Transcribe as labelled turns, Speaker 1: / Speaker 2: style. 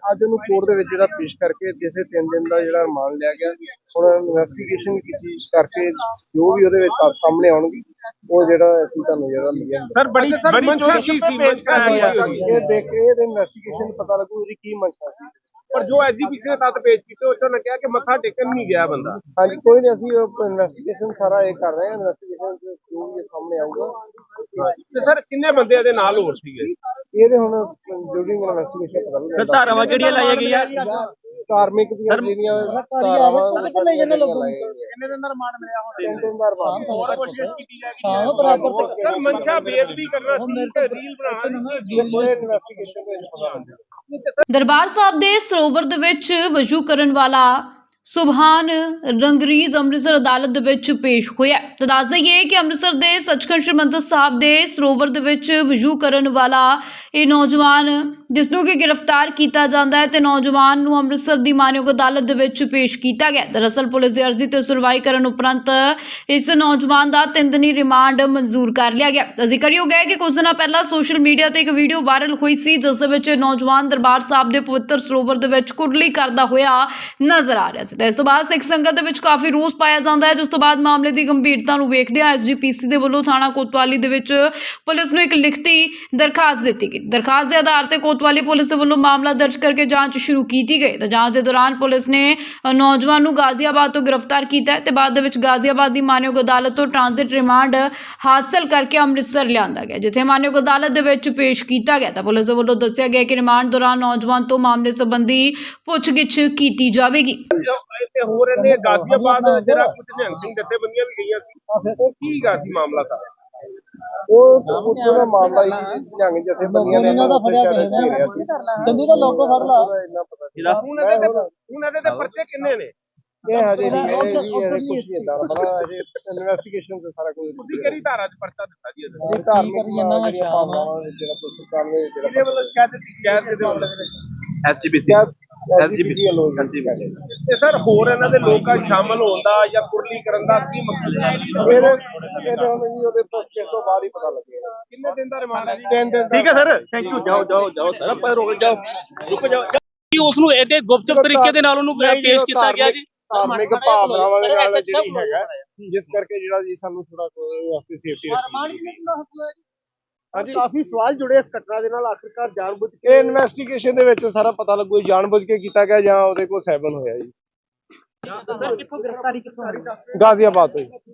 Speaker 1: ਅੱਜ ਉਹਨੂੰ ਕੋਰਟ ਦੇ ਵਿੱਚ ਜਿਹੜਾ ਪੇਸ਼ ਕਰਕੇ ਜਿਸੇ 3 ਦਿਨ ਦਾ ਜਿਹੜਾ ਰਿਮਾਂਡ ਲਿਆ ਗਿਆ। ਹੁਣ ਇਨਵੈਸਟੀਗੇਸ਼ਨ ਕੀਤੀ ਕਰਕੇ ਜੋ ਵੀ ਉਹਦੇ ਵਿੱਚ ਸਾਹਮਣੇ ਆਉਣਗੇ ਉਹ ਜਿਹੜਾ ਅਸੀਂ ਤੁਹਾਨੂੰ ਜਿਹੜਾ ਮਿਲਿਆ
Speaker 2: ਸਰ ਬੜੀ ਮੰਸ਼ਾ ਕੀ ਸੀ ਪੇਸ਼ ਕਰਾਇਆ ਗਿਆ
Speaker 1: ਇਹ ਦੇਖ ਕੇ ਇਹਦੇ ਇਨਵੈਸਟੀਗੇਸ਼ਨ ਪਤਾ ਲੱਗੂ ਇਹਦੀ ਕੀ ਮੰਸ਼ਾ ਸੀ।
Speaker 2: ਪਰ ਜੋ ਐਸਜੀਪੀਸੀ ਨੇ ਤੱਤ ਪੇਸ਼ ਕੀਤੇ ਉਸ ਨੇ ਕਿਹਾ ਕਿ ਮੱਥਾ ਟੇਕਣ ਨਹੀਂ ਗਿਆ ਬੰਦਾ।
Speaker 1: ਹਾਂਜੀ ਕੋਈ ਨਹੀਂ ਅਸੀਂ ਇਨਵੈਸਟੀਗੇਸ਼ਨ ਸਾਰਾ ਇਹ ਕਰ ਰਹੇ ਹਾਂ। ਇਨਵੈਸਟੀਗੇਸ਼ਨ ਜੋ ਵੀ ਸਾਹਮਣੇ ਆਊਗਾ।
Speaker 2: ਤੇ ਸਰ ਕਿੰਨੇ ਬੰਦੇ ਇਹਦੇ ਨਾਲ ਹੋਰ ਸੀਗੇ?
Speaker 1: ਇਹਦੇ ਹੁਣ ਜਿਹੜੀ ਇਨਵੈਸਟੀਗੇਸ਼ਨ ਪਤਾ ਲੱਗੂ।
Speaker 3: ਧਾਰਾਵਾਂ ਕਿਹੜੀਆਂ ਲਾਈਆਂ ਗਈਆਂ?
Speaker 1: ਧਾਰਮਿਕ ਦੀਆਂ ਜਿਹੜੀਆਂ ਧਾਰਾਵਾਂ
Speaker 3: ਕਿੰਨੇ ਦਿਨ ਦਾ ਰਿਮਾਂਡ ਮਿਲਿਆ ਹੁਣ?
Speaker 1: 3 ਦਿਨ ਦਾ ਰਿਮਾਂਡ।
Speaker 3: ਹੋਰ ਕੋਸ਼ਿਸ਼ ਕੀਤੀ ਜਾਏਗੀ ਹਾਂ ਬਰਾਬਰ ਤੇ
Speaker 2: ਸਰ ਮਨਸ਼ਾ ਬੇਅਦਬੀ ਕਰਨਾ ਸੀ ਕਿ ਰੀਲ ਬਣਾਉਣਾ ਸੀ?
Speaker 1: ਇਨਵੈਸਟੀਗੇਸ਼ਨ ਵਿੱਚ ਪਤਾ ਲੱਗੂ।
Speaker 4: ਦਰਬਾਰ ਸਾਹਿਬ ਦੇ ਸਰੋਵਰ ਦੇ ਵਿੱਚ ਵਜੂ ਕਰਨ ਵਾਲਾ ਸੁਭਾਨ ਰੰਗਰੀਜ਼ ਅੰਮ੍ਰਿਤਸਰ ਅਦਾਲਤ ਦੇ ਵਿੱਚ ਪੇਸ਼ ਹੋਇਆ। ਤਾਂ ਦੱਸ ਦਈਏ ਕਿ ਅੰਮ੍ਰਿਤਸਰ ਦੇ ਸੱਚਖੰਡ ਸ੍ਰੀ ਮੰਦਰ ਸਾਹਿਬ ਦੇ ਸਰੋਵਰ ਦੇ ਵਿੱਚ ਵਜੂ ਕਰਨ ਵਾਲਾ ਇਹ ਨੌਜਵਾਨ ਜਿਸ ਨੂੰ ਕਿ ਗ੍ਰਿਫਤਾਰ ਕੀਤਾ ਜਾਂਦਾ ਹੈ ਤੇ ਨੌਜਵਾਨ ਨੂੰ ਅੰਮ੍ਰਿਤਸਰ ਦੀ ਮਾਨਯੋਗ ਅਦਾਲਤ ਦੇ ਵਿੱਚ ਪੇਸ਼ ਕੀਤਾ ਗਿਆ। ਦਰਅਸਲ ਪੁਲਿਸ ਦੀ ਅਰਜ਼ੀ ਤੇ ਸੁਣਵਾਈ ਕਰਨ ਉਪਰੰਤ ਇਸ ਨੌਜਵਾਨ ਦਾ 3 ਦਿਨੀ ਰਿਮਾਂਡ ਮਨਜ਼ੂਰ ਕਰ ਲਿਆ ਗਿਆ। ਜ਼ਿਕਰਯੋਗ ਹੈ ਕਿ ਕੁਝ ਦਿਨਾਂ ਪਹਿਲਾਂ ਸੋਸ਼ਲ ਮੀਡੀਆ ਤੇ ਇੱਕ ਵੀਡੀਓ ਵਾਇਰਲ ਹੋਈ ਸੀ ਜਿਸ ਦੇ ਵਿੱਚ ਨੌਜਵਾਨ ਦਰਬਾਰ ਸਾਹਿਬ ਦੇ ਪਵਿੱਤਰ ਸਰੋਵਰ ਦੇ ਵਿੱਚ ਕੁਰਲੀ ਕਰਦਾ ਹੋਇਆ ਨਜ਼ਰ ਆ ਰਿਹਾ ਸੀ। ਇਸ ਤੋਂ ਬਾਅਦ ਸਿੱਖ ਸੰਗਤ ਦੇ ਵਿੱਚ ਕਾਫੀ ਰੋਸ ਪਾਇਆ ਜਾਂਦਾ ਹੈ ਜਿਸ ਤੋਂ ਬਾਅਦ ਮਾਮਲੇ ਦੀ ਗੰਭੀਰਤਾ ਨੂੰ ਵੇਖਦਿਆਂ ਐਸਜੀਪੀਸੀ ਦੇ ਵੱਲੋਂ ਥਾਣਾ ਕੋਤਵਾਲੀ ਦੇ ਵਿੱਚ ਪੁਲਿਸ ਨੂੰ ਇੱਕ ਲਿਖਤੀ ਦਰਖਾਸਤ ਦਿੱਤੀ ਗਈ। ਦਰਖਾਸਤ ਦੇ ਆਧਾਰ ਤੇ ਕੋਤਵਾਲੀ ਪੁਲਿਸ ਦੇ ਵੱਲੋਂ ਮਾਮਲਾ ਦਰਜ ਕਰਕੇ ਜਾਂਚ ਸ਼ੁਰੂ ਕੀਤੀ ਗਈ। ਤਾਂ ਜਾਂਚ ਦੇ ਦੌਰਾਨ ਪੁਲਿਸ ਨੇ ਨੌਜਵਾਨ ਨੂੰ ਗਾਜ਼ੀਆਬਾਦ ਤੋਂ ਗ੍ਰਿਫਤਾਰ ਕੀਤਾ ਤੇ ਬਾਅਦ ਦੇ ਵਿੱਚ ਗਾਜ਼ੀਆਬਾਦ ਦੀ ਮਾਨਯੋਗ ਅਦਾਲਤ ਤੋਂ ਟ੍ਰਾਂਜ਼ਿਟ ਰਿਮਾਂਡ ਹਾਸਲ ਕਰਕੇ ਅੰਮ੍ਰਿਤਸਰ ਲਿਆਂਦਾ ਗਿਆ ਜਿੱਥੇ ਮਾਨਯੋਗ ਅਦਾਲਤ ਦੇ ਵਿੱਚ ਪੇਸ਼ ਕੀਤਾ ਗਿਆ। ਤਾਂ ਪੁਲਿਸ ਦੇ ਵੱਲੋਂ ਦੱਸਿਆ ਗਿਆ ਕਿ ਰਿਮਾਂਡ ਦੌਰਾਨ ਨੌਜਵਾਨ ਤੋਂ ਮਾਮਲੇ ਸੰਬੰਧੀ ਪੁੱਛਗਿੱਛ ਕੀਤੀ ਜਾਵੇਗੀ।
Speaker 2: ਤੇ ਹੋਰ ਇਹਨੇ ਗਾਜ਼ੀਆਬਾਦ ਜਿਹੜਾ ਕੁਝ ਨਿਹੰਗ ਸਿੰਘ ਜਥੇਬੰਦੀਆਂ ਵੀ ਗਈਆਂ ਸੀ ਉਹ ਕੀ ਗਾ ਸੀ ਮਾਮਲਾ ਤਾਂ
Speaker 1: ਉਹ ਉੱਥੋਂ ਦਾ ਮਾਮਲਾ ਹੀ ਨਿਹੰਗ ਜਥੇਬੰਦੀਆਂ ਨੇ ਇਹਨਾਂ ਦਾ ਫੜਿਆ ਪਿਆ ਸੀ।
Speaker 3: ਜੰਦੀ ਦਾ ਲੋਗੋ ਫੜ ਲਾ।
Speaker 2: ਹੁਣ ਇਹਦੇ ਤੇ ਪਰਚੇ ਕਿੰਨੇ ਨੇ?
Speaker 1: ਇਹ ਹਜੇ ਨਹੀਂ ਕੁਝ ਨਹੀਂ ਇਦਾਂ ਪਤਾ ਹਜੇ ਇਨਵੈਸਟੀਗੇਸ਼ਨ ਤੇ ਸਾਰਾ ਕੁਝ।
Speaker 2: ਤੁਸੀਂ ਕਿਹੜੀ ਧਾਰਾ 'ਚ ਪਰਚਾ ਦਿੱਤਾ ਜੀ ਇਹਦੇ?
Speaker 1: ਧਾਰਮਿਕ ਜਿਹੜੀਆਂ ਭਾਵਨਾਵਾਂ ਜਿਹੜਾ ਪੁਸਤਕਾਂ ਨੇ
Speaker 2: ਇਹਦੇ ਵੱਲੋਂ ਸ਼ਿਕਾਇਤ ਦੇ ਵੱਲੋਂ
Speaker 1: ਐਸਜੀਪੀਸੀ
Speaker 2: ਤੇ ਸਰ ਹੋਰ ਇਹਨਾਂ ਦੇ ਲੋਕਾਂ ਸ਼ਾਮਲ ਹੋਣ ਦਾ ਜਾਂ ਕੁਰਲੀ ਕਰਨ ਦਾ ਕੀ ਮਕਸਦ ਹੈ?
Speaker 1: ਇਹਦੇ ਹੁਣ ਜੀ ਉਹਦੇ ਪੁੱਛੇ ਤੋਂ ਬਾਅਦ ਹੀ ਪਤਾ ਲੱਗੇਗਾ।
Speaker 2: ਕਿੰਨੇ ਦਿਨ ਦਾ ਰਿਮਾਂਡ ਹੈ ਜੀ?
Speaker 1: 3 ਦਿਨ।
Speaker 3: ਠੀਕ ਹੈ ਸਰ, ਥੈਂਕ ਯੂ। ਜਾਓ ਸਰ, ਆਪਾਂ ਰੁਕ ਜਾਓ।
Speaker 5: ਉਸ ਨੂੰ ਐਡੇ ਗੁਪਚੁਪ ਤਰੀਕੇ ਦੇ ਨਾਲ ਉਹਨੂੰ ਪੇਸ਼ ਕੀਤਾ ਗਿਆ ਜੀ।
Speaker 1: ਧਾਰਮਿਕ ਭਾਵਨਾਵਾਂ ਦੇ ਨਾਲ ਜਿਹੜੀ ਹੈਗਾ ਜਿਸ ਕਰਕੇ ਜਿਹੜਾ ਜੀ ਸਾਨੂੰ ਥੋੜਾ ਵਾਸਤੇ ਸੇਫਟੀ ਰੱਖੀ। ਹਾਂਜੀ ਕਾਫੀ ਸਵਾਲ ਜੁੜੇ ਇਸ ਘਟਨਾ ਦੇ ਨਾਲ। ਆਖਿਰਕਾਰ ਜਾਣਬੁੱਝ ਕੇ ਇਨਵੈਸਟੀਗੇਸ਼ਨ ਦੇ ਵਿੱਚ ਸਾਰਾ ਪਤਾ ਲੱਗੂ ਜਾਣਬੁੱਝ ਕੇ ਕੀਤਾ ਗਿਆ ਜਾਂ ਉਹਦੇ ਕੋਲ ਸੈਵਨ ਹੋਇਆ ਜੀ।
Speaker 5: ਸਰ ਕਿੱਥੋਂ ਗ੍ਰਿਫਤਾਰੀ ਕਿੱਥੋਂ?
Speaker 1: ਗਾਜ਼ੀਆਬਾਦ ਤੋਂ।